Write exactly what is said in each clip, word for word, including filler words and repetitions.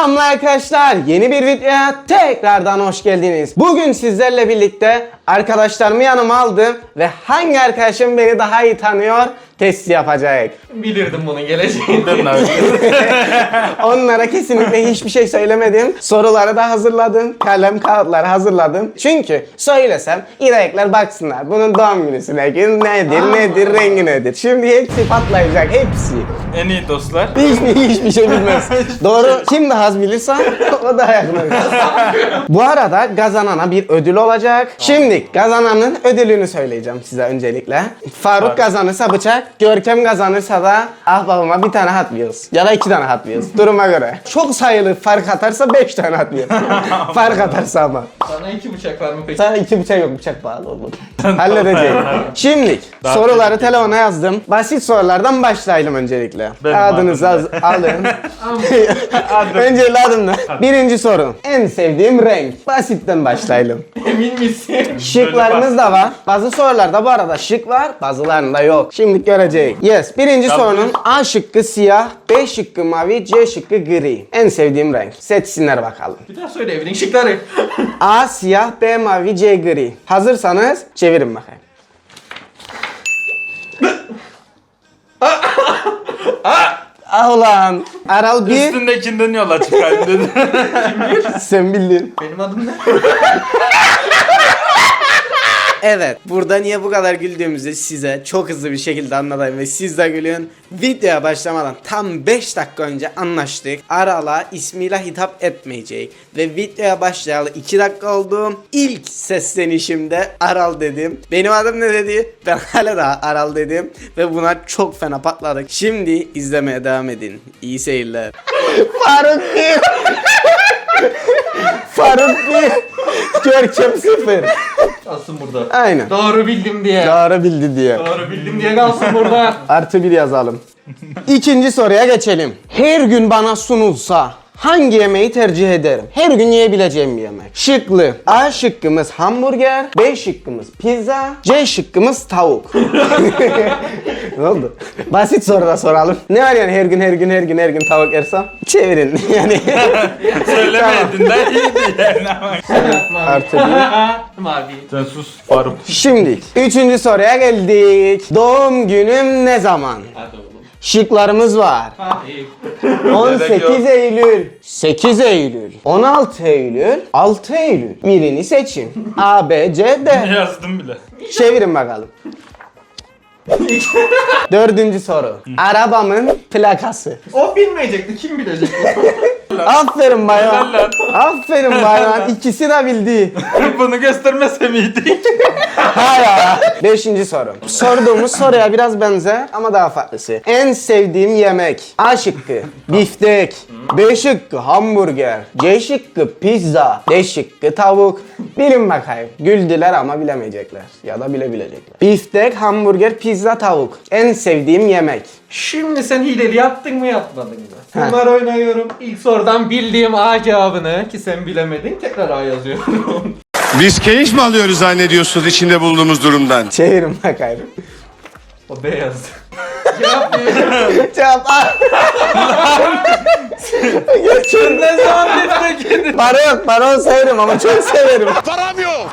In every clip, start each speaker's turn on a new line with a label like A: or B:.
A: Selamlar arkadaşlar. Yeni bir videoya tekrardan hoş geldiniz. Bugün sizlerle birlikte arkadaşlarımı yanıma aldım ve hangi arkadaşım beni daha iyi tanıyor testi yapacak.
B: Bilirdim bunun geleceğini.
A: Onlara kesinlikle hiçbir şey söylemedim. Soruları da hazırladım. Kalem kağıtları hazırladım. Çünkü söylesem İrayekler baksınlar. Bunun doğum günüsüne gün nedir, Aa. nedir, rengi nedir. Şimdi hepsi patlayacak, hepsi.
C: En iyi dostlar.
A: Hiçbir, hiçbir şey bilmez. Doğru, kim daha az bilirse o daha yakın olur. Bu arada kazanana bir ödül olacak. Şimdi kazananın ödülünü söyleyeceğim size öncelikle. Faruk Faruk. kazanırsa bıçak, Görkem kazanırsa da ahbabıma bir tane Hot Wheels. Ya da iki tane Hot Wheels. Duruma göre. Çok sayılı fark atarsa beş tane Hot Wheels. Fark atarsa ama.
B: Sana iki bıçak var mı peki?
A: Sana iki bıçak yok, bıçak pahalı olur. Halledeceğim. Şimdi soruları telefona yazdım. Basit sorulardan başlayalım öncelikle.
C: Benim
A: Adınızı az- alın. Önce adımla. Birinci soru. En sevdiğim renk. Basitten başlayalım.
B: Emin misin?
A: Şıklarımız da var. Bazı sorularda bu arada şık var, bazılarında yok. Şimdi göreceğiz. Yes. Birinci
C: Tabii.
A: sorunun A şıkkı siyah, B şıkkı mavi, C şıkkı gri. En sevdiğim renk. Seçsinler bakalım.
B: Bir daha söyle evinin şıkları.
A: A siyah, B mavi, C gri. Hazırsanız çevirin bakayım. Ah ulan. Aral bir.
C: Üstündekinden yola çıkayım dedi.
A: Sen bildin.
B: Benim adım ne?
A: Evet, burada niye bu kadar güldüğümüzü size çok hızlı bir şekilde anlatayım ve siz de gülün. Videoya başlamadan tam beş dakika önce anlaştık. Aral'a ismiyle hitap etmeyecek. Ve videoya başlayalı iki dakika oldu. İlk seslenişimde Aral dedim. Benim adım ne dedi? Ben hala da Aral dedim. Ve buna çok fena patladık. Şimdi izlemeye devam edin. İyi seyirler. Faruk bir. Faruk bir. Görkem sıfır.
B: Kalsın burada.
A: Aynen.
B: Doğru bildim diye.
A: Doğru bildi diye.
B: Doğru bildim diye kalsın burada.
A: Artı bir yazalım. İkinci soruya geçelim. Her gün bana sunulsa hangi yemeği tercih ederim? Her gün yiyebileceğim bir yemek. Şıklı. A şıkkımız hamburger, B şıkkımız pizza, C şıkkımız tavuk. Ne oldu? Basit soru da soralım. Ne var yani her gün her gün her gün her gün tavuk yersem? Çevirin yani.
C: Söylemedin de iyiydi yani ama.
B: Mavi.
A: Artı bir.
B: Mavi.
C: Sen sus Faruk.
A: Şimdi üçüncü soruya geldik. Doğum günüm ne zaman?
B: Hadi oğlum.
A: Şıklarımız var.
B: Hadi.
A: on sekiz Eylül, sekiz Eylül, on altı Eylül, altı Eylül. Birini seçin. A, B, C, D.
C: Yazdım bile.
A: Çevirin bakalım. Dördüncü soru. Arabamın plakası.
B: O bilmeyecekti. Kim bilecek?
A: Aferin bayan.
C: Helal lan.
A: Aferin bayan. İkisi de bildi.
C: Bunu göstermese miydik?
A: Ha ya. Beşinci soru. Sorduğumuz soruya biraz benzer ama daha farklısı. En sevdiğim yemek. A şıkkı biftek, B şıkkı hamburger, C şıkkı pizza, D şıkkı tavuk. Bilin bakayım. Güldüler ama bilemeyecekler. Ya da bilebilecekler. Biftek, hamburger, pizza, tavuk. En sevdiğim yemek.
B: Şimdi sen hileli yaptın mı yapmadın mı? Bunlar oynuyorum. İlk sorudan bildiğim A cevabını ki sen bilemedin tekrar A yazıyorum.
D: Biz keyif mi alıyoruz zannediyorsunuz içinde bulunduğumuz durumdan?
A: Çevirin bakayım.
B: O B yazdı. Cevap veriyorum.
A: Cevap A. Geçin.
C: Ne zaman biftek?
A: Para yok. Para severim ama çok severim.
D: Param yok.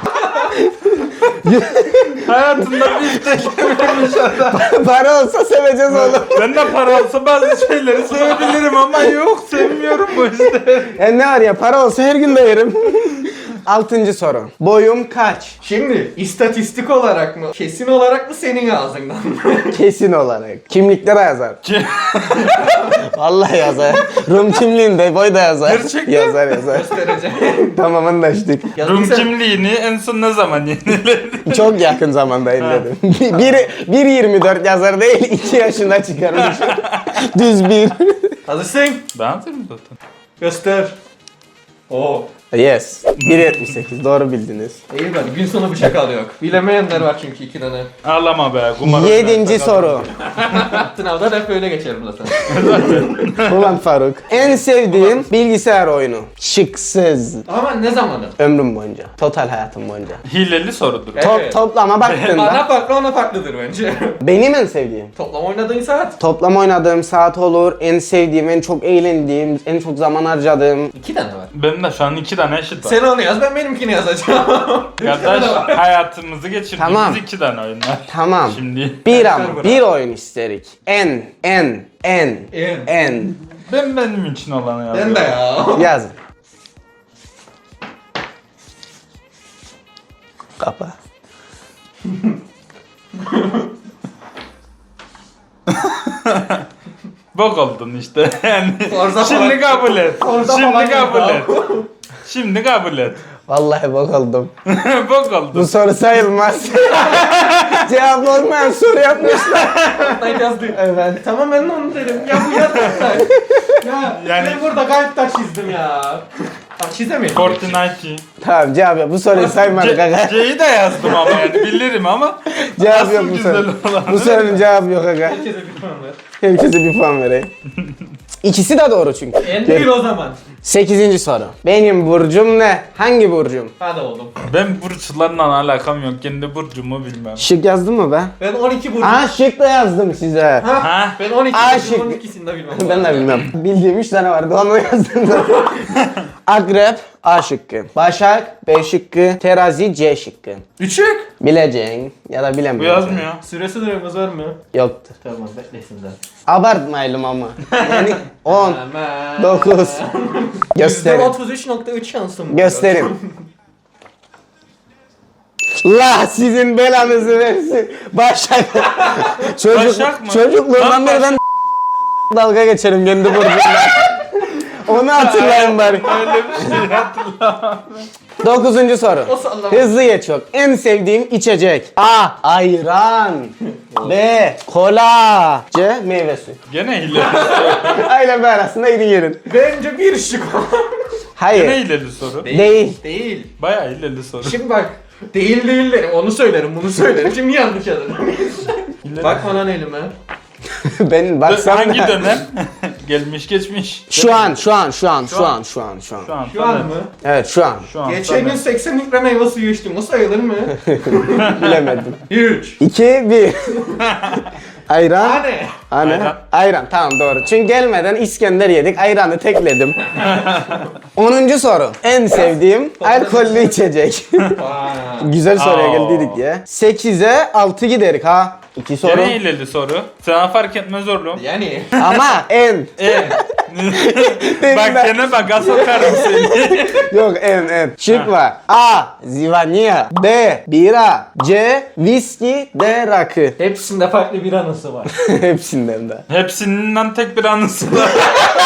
C: Hayatında biftek yememiş adam.
A: Para olsa seveceğiz oğlum.
C: Ben de para olsa bazı şeyleri sevebilirim ama yok sevmiyorum bu işte.
A: Ya ne var ya para olsa her gün de yerim. Altıncı soru. Boyum kaç?
B: Şimdi istatistik olarak mı? Kesin olarak mı senin ağzından mı?
A: Kesin olarak. Kimliklere yazar. Vallahi yazar. Rum kimliğinde boy da yazar.
C: Gerçekten?
A: Yazar yazar.
B: Göstereceğim.
A: Tamam anlaştık.
C: Rum kimliğini en son ne zaman yeniledin?
A: Çok yakın zamanda elledim. bir, bir yirmi dört yazar değil, iki yaşında çıkarmış. Düz bir.
B: Hazırsın.
C: Ben hazırım zaten.
B: Göster. Oo.
A: Yes. bir yetmiş sekiz doğru bildiniz.
B: İyi bari gün sonu bıçak alıyor. Bilemeyenler var çünkü iki tane.
C: Ağlama be. Kumar
A: Yedinci soru.
B: Sınavda hep böyle geçerim zaten.
A: Ulan Faruk. En sevdiğim bilgisayar oyunu. Şıksız.
B: Ama ne zamanı?
A: Ömrüm boyunca. Total hayatım boyunca.
C: Hileli sorudur.
B: Evet.
A: Top, toplama
B: Bana
A: baktığında
B: farklı ona farklıdır bence.
A: benim en sevdiğim.
B: Toplam oynadığın saat.
A: Toplam oynadığım saat olur, en sevdiğim, en çok eğlendiğim, en çok zaman harcadığım.
B: İki tane var.
C: Benim de şu an iki tane eşit var.
B: Sen onu yaz ben benimkini yazacağım.
C: Kardeş hayatımızı geçirdiğimiz
A: Tamam.
C: iki tane oyun var.
A: Tamam.
C: Şimdi
A: Bir
B: Kaçlar
A: ama
B: bırak?
A: bir oyun isterik. En, en, en,
B: En.
A: en.
C: ben benim için olanı yazıyorum.
B: Ben de ya.
A: Yaz. Kapa.
C: Bok oldun işte yani.
B: Forza
C: Şimdi
B: falan-
C: kabul et.
B: Forza
C: Şimdi
B: falan
C: kabul
B: ya.
C: et. Şimdi kabul et.
A: Vallahi bok oldum.
C: Bok
A: Bu
C: oldun.
A: soru sayılmaz. Cevap olmayan soru yapmışlar.
B: Ben yazdım.
A: Evet.
B: Tamam ben de onu derim. Ya bu yazmışlar. Ya
C: Yani-
B: ben burada gayet taş çizdim ya. Taş çizemedim.
C: Fortnite.
A: Tamam cevap yok. Bu soruyu saymadık aga.
C: C'yi de yazdım ama yani bilirim ama
A: Cevap
C: asıl
A: yok bu
C: güzel
A: soru.
C: olan.
A: Bu sorunun cevabı yok aga.
B: Herkese bir puan ver.
A: Herkese bir puan vereyim. İkisi de doğru çünkü.
B: En değil o zaman.
A: Sekizinci soru. Benim burcum ne? Hangi burcum?
B: Hadi oğlum.
C: Ben burçlarla alakam yok. Kendi burcumu bilmem.
A: Şık yazdın mı be?
B: Ben on iki burcu.
A: Aa şık da yazdım size.
B: Ha?
C: Ha?
B: Ben on iki
A: Aa,
B: burcu,
A: şık.
B: on ikisini de bilmem.
A: Ben de bilmem. Bildiğim üç tane vardı onu yazdım zaten. Akrep A şıkkı. Başak B şıkkı. Terazi C şıkkı.
B: Üçük.
A: Bileceğin ya da
C: Bu
A: bilemiyorsun.
C: yazmıyor.
B: Süresi süremiz var mı?
A: Yoktu.
B: Tamam beklesin de.
A: Abartmayalım ama. Yani on,
B: Hemen.
A: dokuz.
B: yüzde
A: Gösterin.
B: otuz üç nokta üç şansım var.
A: Gösterin. La sizin belanızı versin. Başak. Çocuk,
C: Başak mı?
A: Çocukluğumdan
C: Lan
A: beri ben dalga geçerim kendi burcumla. Onu hatırlayın bari.
C: Öyle bir şey hatırlamam.
A: Dokuzuncu soru.
B: O sallama.
A: Hızlı geç çok. En sevdiğim içecek. A. Ayran. B. Kola. C. Meyve suyu.
C: Gene hileli.
A: Aile B arasında iri yerin.
B: Bence bir şık o.
C: Gene
A: Hayır.
C: hileli soru.
A: Değil.
B: Değil.
C: Bayağı hileli soru.
B: Şimdi bak. Değil değil derim. Onu söylerim, bunu söylerim. Şimdi yanlış yazarım. Bak bana elime.
A: Ben baksam
C: Hangi
A: da-
C: dönem? Gelmiş geçmiş.
A: Şu an, şu an, şu an, şu an, şu an, şu an.
C: Şu an.
B: Şu an
C: tabii.
B: mı?
A: Evet, şu an.
C: Şu an.
B: Geçen gün
C: tabii.
B: seksen litre meyve suyu içtim. O sayılır mı?
A: Bilemedim.
B: üç.
A: iki, bir. Ayran.
B: Hadi.
A: Hani?
C: Ayran.
A: Ayran. Tamam doğru. Çünkü gelmeden İskender yedik. Ayranı tekledim. Onuncu soru. En sevdiğim alkollü içecek.
B: Vay.
A: Güzel soruya
C: Aa.
A: geldiydik ya. sekize altı giderik ha. İki soru.
C: Gene hileli soru. Sana fark etmez oğlum.
B: Yani.
A: Ama en.
C: E. Bak gene baka sokarım seni.
A: Yok en en. Şık var. A. Zivanya. B. Bira. C. Viski. D. Rakı.
B: Hepsinde farklı bir anısı var.
A: Hepsinden de.
C: Hepsinden tek bir anısı var.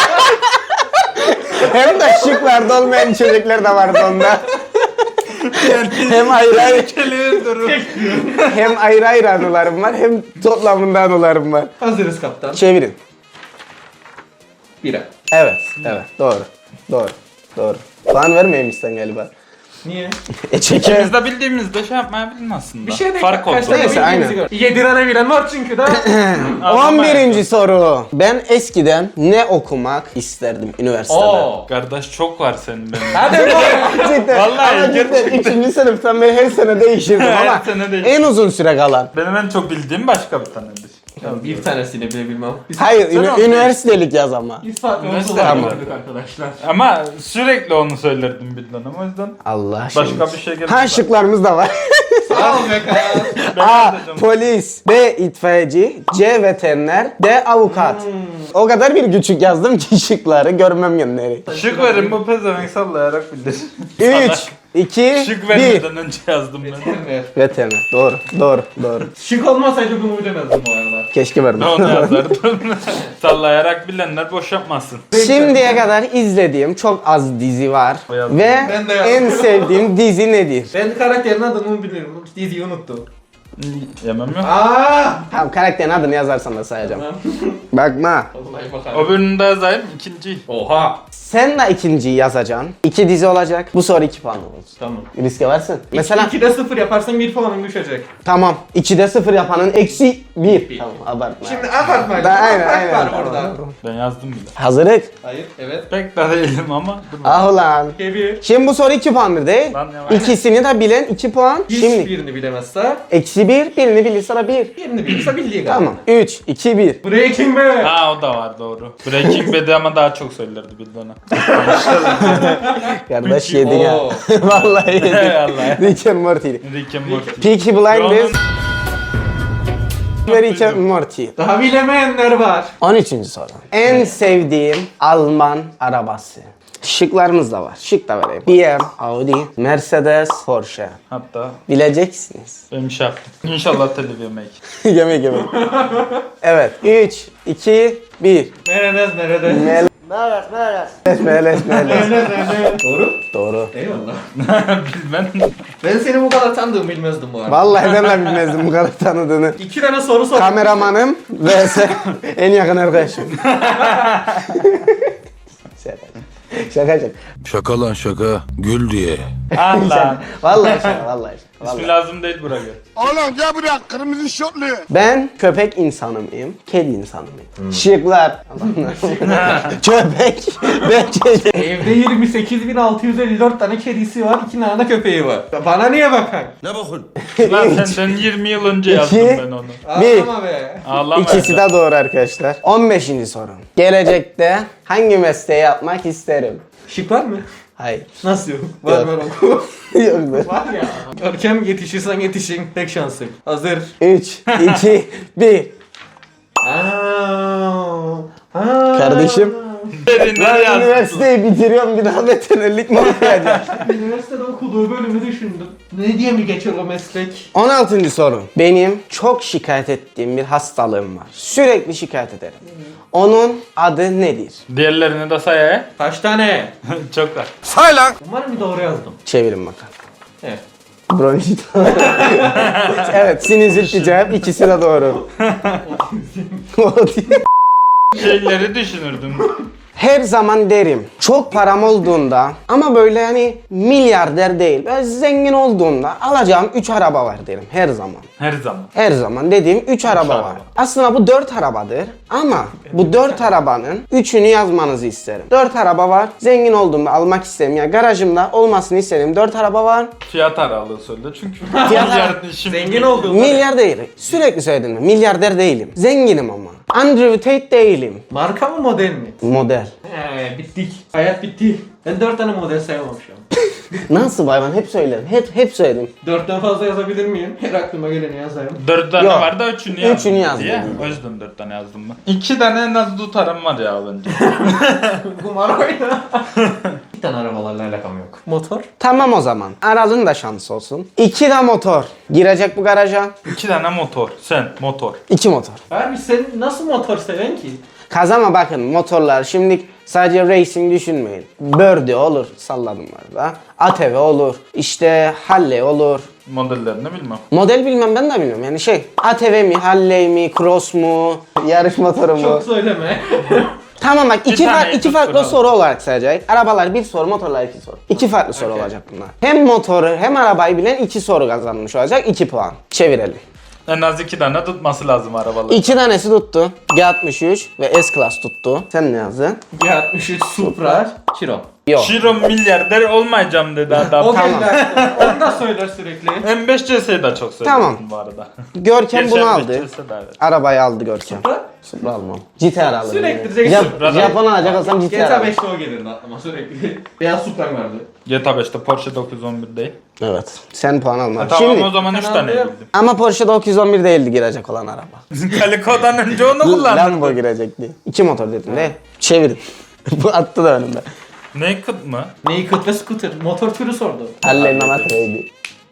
A: Hem de şıklarda olmayan içecekler de vardı onda. hem ayrı ayrı,
C: Kelime durum.
A: hem ayrı ayrı anılarım var hem toplamında anılarım var.
B: Hazırız kaptan.
A: Çevirin.
B: Bira.
A: Evet, evet. Doğru. Doğru. Doğru. Puan vermeyeyim sen galiba.
B: Niye?
A: E çeker.
C: Biz de bildiğimizde şey yapmaya bilin aslında.
B: Bir şey değil.
C: Fark oldu.
B: Kaç tane
A: Neyse,
B: bildiğimizi
A: aynen.
B: gör. Yedi tane bilen var çünkü da.
A: on birinci soru. Ben eskiden ne okumak isterdim üniversitede?
B: Oo.
C: Kardeş çok var senin benim.
B: Hadi bu.
A: Cidden.
C: Vallahi
A: ama cidden
C: gerçekten.
A: üçüncü sınıftan beri her sene değişirdim
C: Her
A: ama
C: sene değişir.
A: en uzun süre kalan.
C: Benim en çok bildiğim başka bir tanedir.
B: Tamam, bir tanesini bile bilmem. Biz,
A: Hayır,
C: Sen
A: ünü-
C: onu-
A: üniversitelik yaz ama.
B: biz farklı
C: Üniversite
B: olsular
A: tamam.
B: gördük arkadaşlar.
C: Ama sürekli onu söylerdim bir dönem o yüzden.
A: Allah
C: Başka
A: aşkına.
C: bir şey geldi.
A: Ha şıklarımız da var.
B: Sağ ol be kral.
C: Ben
A: A.
C: yazacağım.
A: Polis. B. itfaiyeci. C. Veteriner. D. Avukat. O kadar bir küçük yazdım ki şıkları görmem yönleri.
C: Şık verin bu pezevenk sallayarak bilir.
A: üç, iki,
C: Şık
A: bir.
C: vermeden önce yazdım ben.
B: Veteriner.
A: Veteriner. Doğru. Doğru. Doğru.
B: Şık olmasaydı bunu bilemezdim bu arada.
A: Keşke vermem.
C: Onu yazardım. Sallayarak bilenler boş yapmasın.
A: Şimdiye kadar izlediğim çok az dizi var.
C: O yazdım.
A: Ve
B: Ben de yazdım.
A: en sevdiğim dizi nedir?
B: Ben karakterin adını bilirim. Diziyi unuttum.
C: Yemem yok.
B: Aaa!
A: Tamam, karakterin adını yazarsan da sayacağım. Bakma.
B: Vallahi bakalım.
C: Öbürünü de yazayım. İkinci.
B: Oha.
A: Sen de ikinciyi yazacaksın. İki dizi olacak. Bu soru iki puan olsun.
B: Tamam.
A: Riske varsın. Mesela
B: ikide sıfır yaparsan bir puanın düşecek.
A: tamam. ikide sıfır yapanın eksi bir. Tamam, abartma.
B: Şimdi abartma.
A: Da- aynen, aynen.
B: Var
A: Tamam,
B: orada.
A: tamam.
C: Ben yazdım bile.
A: Hazırlık.
B: Hayır, evet.
C: Pek de değilim ama. Dur bakalım.
A: Ah ulan.
B: Bir.
A: Şimdi bu soru iki puandır değil.
C: Lan ne var?
A: İkisini de bilen iki puan. Şimdi
B: Hiçbirini bilemezse
A: eksi bir, birini bilirse de bir.
B: birini bilirse bildiği kadar.
A: Tamam. üç, iki, bir.
B: Breaking Bad.
C: Ha o da var doğru. Breaking Bad'i ama daha çok söylerdi bildi ona.
A: Kardeş yedin ya.
B: Oo.
A: Vallahi yedin.
C: Vallahi.
A: Rick and Morty.
C: Rick and Morty.
A: Peaky Blinders
C: Onun-
A: ve Rick and Morty.
B: Daha bilemeyenler var.
A: on üçüncü soru. En sevdiğim Alman arabası. Şıklarımız da var. Şık da vereyim. B M, Audi, Mercedes, Porsche.
C: Hatta
A: Bileceksiniz.
C: benim şey yaptım. İnşallah telif yemek.
A: yemek yemek. Evet. üç, iki, bir.
B: Nerede nerede?
A: Mel Meles, meles, meles.
B: Doğru.
A: Doğru.
B: Eyvallah.
C: Bilmem.
B: Ben seni bu kadar tanıdığımı bilmezdim bu arada.
A: Vallahi ben de bilmezdim bu kadar tanıdığını.
B: İki tane soru sor.
A: Kameramanım vs en yakın arkadaşım. Şaka. Şaka şaka.
E: Şaka lan şaka. Gül diye.
C: Allah.
A: Vallahi şaka, vallahi şaka. Vallahi.
C: İsmi lazım değil buraya.
D: Oğlum gel buraya kırmızı şortlu.
A: Ben köpek insanı mıyım? Kedi insanı mıyım? Şıklar. Köpek ve kedi.
B: Evde yirmi sekiz bin altı yüz elli dört tane kedisi var, iki tane de köpeği var. Bana niye bakan?
E: Ne bakın?
C: Lan senden yirmi yıl önce yazdım
A: İki.
C: ben onu.
A: Bir.
B: Ağlama be.
C: Ağlama.
A: İkisi de doğru arkadaşlar. on beşinci soru. Gelecekte hangi mesleği yapmak isterim?
B: Şık var mı?
A: Hayır.
B: Nasıl yok? Var
A: Yok.
B: var oku.
A: Yoktur.
B: Var ya. Görkem yetişirsen yetişin. Tek şansın. Hazır.
A: üç, iki, bir.
B: Aa, aa.
A: Kardeşim.
C: Derinler
A: Ben
C: yazdım.
A: üniversiteyi bitiriyorum, bir daha veterinerlik mi okuyacağım?
B: Üniversitede okuduğu bölümü düşündüm. Ne diye mi geçer o meslek?
A: on altıncı soru. Benim çok şikayet ettiğim bir hastalığım var. Sürekli şikayet ederim. Onun adı nedir?
C: Diğerlerini de say he.
B: Kaç tane?
C: Çok var.
E: Say lan.
B: Umarım bir doğru yazdım.
A: Çevirin bakalım.
B: Evet.
A: Bronşit. Evet, sinüzit cevap, ikisi de doğru.
C: Şeyleri düşünürdüm.
A: Her zaman derim, çok param olduğunda ama böyle hani milyarder değil, böyle zengin olduğumda alacağım üç araba var derim her zaman.
C: Her zaman.
A: Her zaman dediğim üç araba
C: araba.
A: var. Aslında bu dört arabadır ama bu dört arabanın üçünü yazmanızı isterim. Dört araba var, zengin olduğumda almak isterim. Ya garajımda olmasını isterim. Dört araba var,
C: Fiyat aralığı söyle çünkü.
A: Fiyat
C: Milyar işim.
B: Zengin olduğum.
A: milyar değil. Sürekli söyledim mi? Milyarder değilim. Zenginim ama. Andrew Tate değilim.
B: Marka mı model mi?
A: Model.
B: He bittik. Hayat bitti. Ben dört tane model sayamam şu an.
A: Nasıl bayvan? Hep söyledim. Hep hep söyledim.
B: Dörtten fazla yazabilir miyim? Her aklıma geleni yazayım.
C: Dört tane
A: Yok.
C: var da üçünü yazdım.
A: Üçünü yazdım.
C: Diye. O yüzden dört tane yazdım ben. İki tane en az tutarım var ya bence.
B: Kumar oyna. Bir tane arabalarla alakam yok. Motor?
A: Tamam o zaman. Aral'ın da şansı olsun. İki de motor. Girecek bu garaja.
C: İki tane motor. Sen motor.
A: İki motor.
B: Abi sen nasıl motor seven ki?
A: Kazama bakın motorlar. Şimdi sadece racing düşünmeyin. Birdie olur. Salladım var da. A T V olur. İşte Halley olur.
C: Modellerini bilmem.
A: Model bilmem, ben de bilmiyorum. Yani şey A T V mi, Halley mi, Cross mu, yarış motoru mu?
B: Çok söyleme.
A: Tamam bak, iki,
C: tane
A: far- iki farklı
C: tutturalım.
A: soru olarak sayacak. Arabalar bir soru, motorlar iki soru. İki farklı soru
B: Okay.
A: olacak bunlar. Hem motoru hem arabayı bilen iki soru kazanmış olacak. iki puan. Çevirelim.
C: En az iki tane tutması lazım arabalar.
A: İki tanesi tuttu. G altmış üç ve S-Class tuttu. Sen ne yazdın?
B: G altmış üç Supra. Chiron.
A: Yok.
C: Şiro milyarder olmayacağım dedi adam.
B: O
A: Tamam.
B: geldi aklıma. Onu da söyler sürekli.
C: M beş C S'yi de çok seviyorum
A: Tamam.
C: bu arada.
A: Görkem
C: Gerçi
A: bunu
C: M beş
A: aldı.
C: C S de evet.
A: Arabayı aldı Görkem.
B: Supra?
A: Supra almam. G T R alırım.
B: Sürekli
A: yani.
B: G T R.
A: Jap-
C: Supra'da-
A: Japon alacak olsam G T
B: G
A: R
B: T A
A: alırım.
B: beşte o gelirdi aklıma sürekli. Beyaz Supra'm vardı.
C: G T A beşte Porsche dokuz yüz on bir değil.
A: Evet. Sen puan alma.
C: E, tamam
A: Şimdi
C: o zaman üç
B: Ben
C: tane
B: aldım.
C: bildim.
A: ama Porsche dokuz yüz on bir değildi girecek olan araba.
C: Kaliko'dan önce onu kullandım.
A: Lambo girecekti. İki motor dedim de. Çevirin. Bu attı da önümde.
C: Naked mı?
B: Naked ve scooter. Motor türü sordu.
A: Halley'in amatreydi.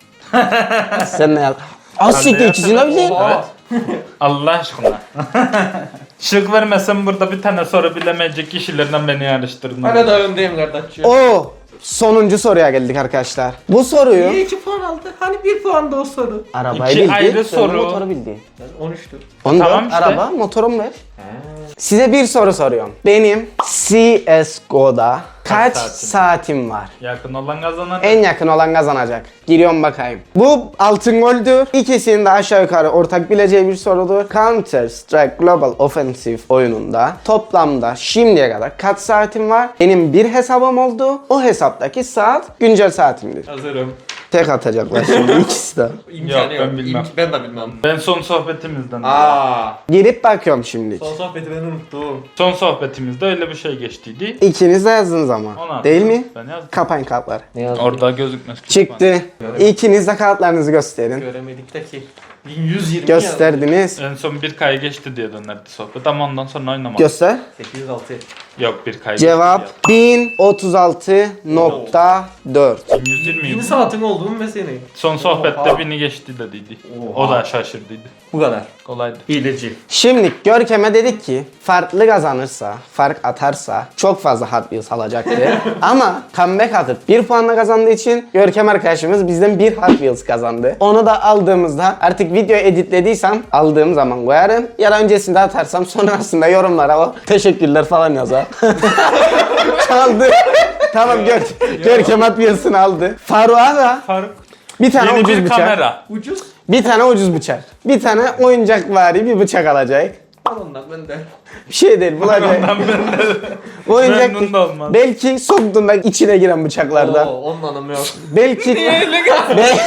A: Sen ne yazdın? Az siktir, ikisini de bildin.
B: Oha.
C: Allah aşkına. Şık vermesem burada bir tane soru bilemeyecek kişilerden beni yarıştırdın.
B: Hala da öndeyim kardeşim.
A: Oo. sonuncu soruya geldik arkadaşlar. Bu soruyu
B: Niye iki puan aldı? Hani bir puan da o soru.
A: arabayı
C: İki
A: bildi,
C: ayrı
A: sonra
C: soru.
A: motoru bildi.
B: Yani on üçtür.
A: Onu
C: Tamam
A: da
C: işte.
A: araba, motorum ver. Size bir soru soruyorum. Benim C S G O'da kaç
C: saatin?
A: saatim var?
C: Yakın olan kazanan.
A: En yakın olan kazanacak. Giriyorum bakayım. Bu altın goldür. İkisinin de aşağı yukarı ortak bileceği bir sorudur. Counter Strike Global Offensive oyununda toplamda şimdiye kadar kaç saatim var? Benim bir hesabım oldu. O hesaptaki saat güncel saatimdir.
B: Hazırım.
A: Tek atacaklar şimdi ikisi de.
B: İmkanı
C: Yok, ben bilmem.
B: İm- ben de bilmem.
C: Ben son sohbetimizden.
B: Aa.
A: Girip bakıyorum şimdi.
B: Son sohbeti ben unuttum.
C: Son sohbetimizde öyle bir şey geçtiydi.
A: İkiniz de yazdınız ama.
C: Onu
A: Değil mi?
C: Ben yazdım.
A: Kapayın kartları.
B: Ne yazdın?
C: Orada gözükmez.
A: Çıktı. İkiniz de kartlarınızı gösterin.
B: Göremedik de ki. bin yüz yirmi
A: Gösterdiniz.
C: En son bir kay geçti diye dönerdi sohbet ama ondan sonra oynamadım.
A: Göster.
B: sekiz yüz altı.
C: Yok bir kay
A: Cevap
C: geçti
A: bin otuz altı nokta dört.
C: diye. bin yüz yirmi.
B: bin saatin olduğunu ve senin.
C: Son sohbette
B: Oha.
C: bini geçti dediydi.
B: Oha.
C: O da şaşırdıydı.
B: Bu kadar.
C: Kolaydı.
B: Hileci.
A: Şimdi Görkem'e dedik ki farklı kazanırsa, fark atarsa çok fazla Hot Wheels alacaktı. Ama comeback atıp bir puanla kazandığı için Görkem arkadaşımız bizden bir Hot Wheels kazandı. Onu da aldığımızda artık video editlediysem aldığım zaman koyarım. Ya da öncesinde atarsam sonrasında yorumlara o teşekkürler falan yazar. Çaldı. Tamam Gör Görkem Hot Wheels'ını aldı. Faruk'a da
C: Faruk.
A: bir tane
C: Yeni
A: ucuz
C: bir
A: bıçak.
C: kamera.
B: Ucuz.
A: Bir tane ucuz bıçak. Bir tane oyuncakvari bir bıçak alacak.
B: Al ondan ben de.
A: Bir şey değil bulacak.
C: Ondan ben de
A: Oyuncak
C: memnun da olmaz.
A: belki soktuğunda içine giren bıçaklardan.
B: Oo, ondan yok.
A: Belki Be-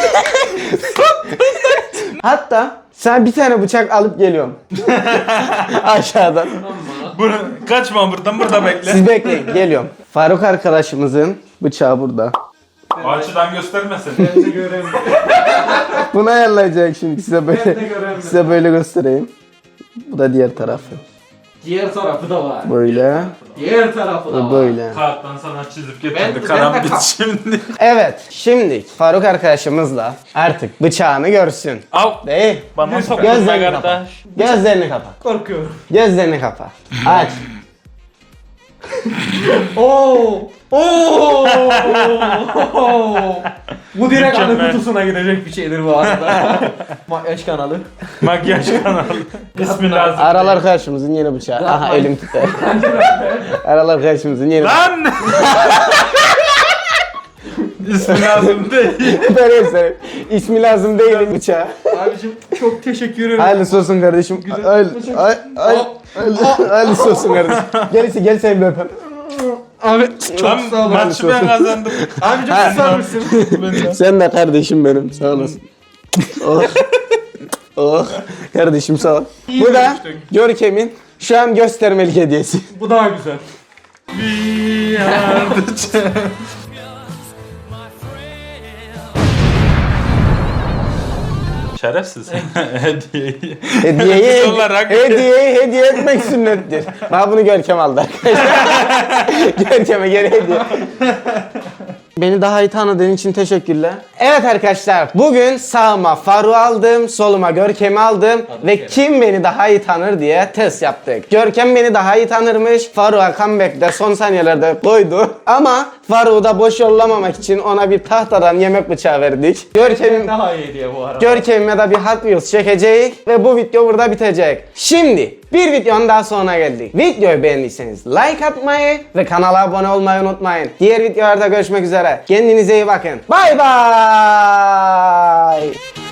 A: Hatta sen bir tane bıçak alıp geliyorum. Aşağıdan.
C: Bunu, kaçma buradan, burada bekle.
A: Siz bekleyin geliyorum. Faruk arkadaşımızın bıçağı burada.
C: O açıdan göstermesin.
B: Ben de göreyim.
A: Bunu ayarlayacak şimdi size
B: Ben
A: böyle
B: de göreyim.
A: size böyle göstereyim. Bu da diğer tarafı.
B: Diğer tarafı da var.
A: Böyle
B: Diğer tarafı da
A: ve
B: var.
A: böyle.
C: Kağıttan sana çizip
B: Ben-
C: getirdi.
B: ben de
C: Karambit
B: ka-
C: şimdi.
A: Evet, şimdi Faruk arkadaşımızla artık bıçağını görsün.
C: Al.
A: Değil.
C: Bana sokma
A: Gözlerini kapa.
C: kardeş.
A: Gözlerini kapa.
B: Korkuyorum.
A: Gözlerini kapa. Aç.
B: Oo! Oo! Bu direkt anı
C: Mükemmel.
B: kutusuna girecek bir şeydir bu arada. Makyaj kanalı.
C: Makyaj kanalı. İsmi lazım.
A: Aralar arkadaşımızın yeni bıçağı. Aha
B: Yapmayın.
A: elim tutar. Aralar arkadaşımızın yeni bıçağı.
C: Lan! İsmi lazım değil.
A: Ben göstereyim. İsmi lazım değil bıçağı.
B: Abicim çok teşekkür ederim.
A: Hayırlısı olsun kardeşim.
B: Güzel.
A: Hayırlı
B: Teşekkür-
A: hay- hay- hayırlı- hayırlısı olsun kardeşim. Gel, gel seni bir öpeyim.
B: Abi çok
C: Lan
B: sağ ol.
C: maçı ben kazandım.
B: Abicim susar mısın?
A: Sen de kardeşim benim. Sağ olasın. Oh. Oh. Kardeşim sağ ol. Bu da Görkem'in şu an göstermelik hediyesi.
B: Bu daha güzel.
C: We are the champions. Şerefsiz. Hediyeyi.
A: Hediyeyi,
C: Biz olarak-
A: hediyeyi hediye etmek sünnettir. Bana bunu Görkem aldı arkadaşlar. Görkem'e geri hediye. Beni daha iyi tanıdığın için teşekkürler. Evet arkadaşlar, bugün sağıma Faruk'u aldım, soluma Görkem'i aldım ve kim beni daha iyi tanır diye test yaptık. Görkem beni daha iyi tanırmış, Faruk'a comeback'te son saniyelerde koydu. Ama Faruk'u da boş yollamamak için ona bir tahtadan yemek bıçağı verdik. Görkem'in
B: Daha iyi diye bu arada.
A: Görkem'e de bir Hot Wheels çekeceğiz ve bu video burada bitecek. Şimdi bir videonun daha sonuna geldik. Videoyu beğendiyseniz like atmayı ve kanala abone olmayı unutmayın. Diğer videolarda görüşmek üzere. Kendinize iyi bakın. Bay bay.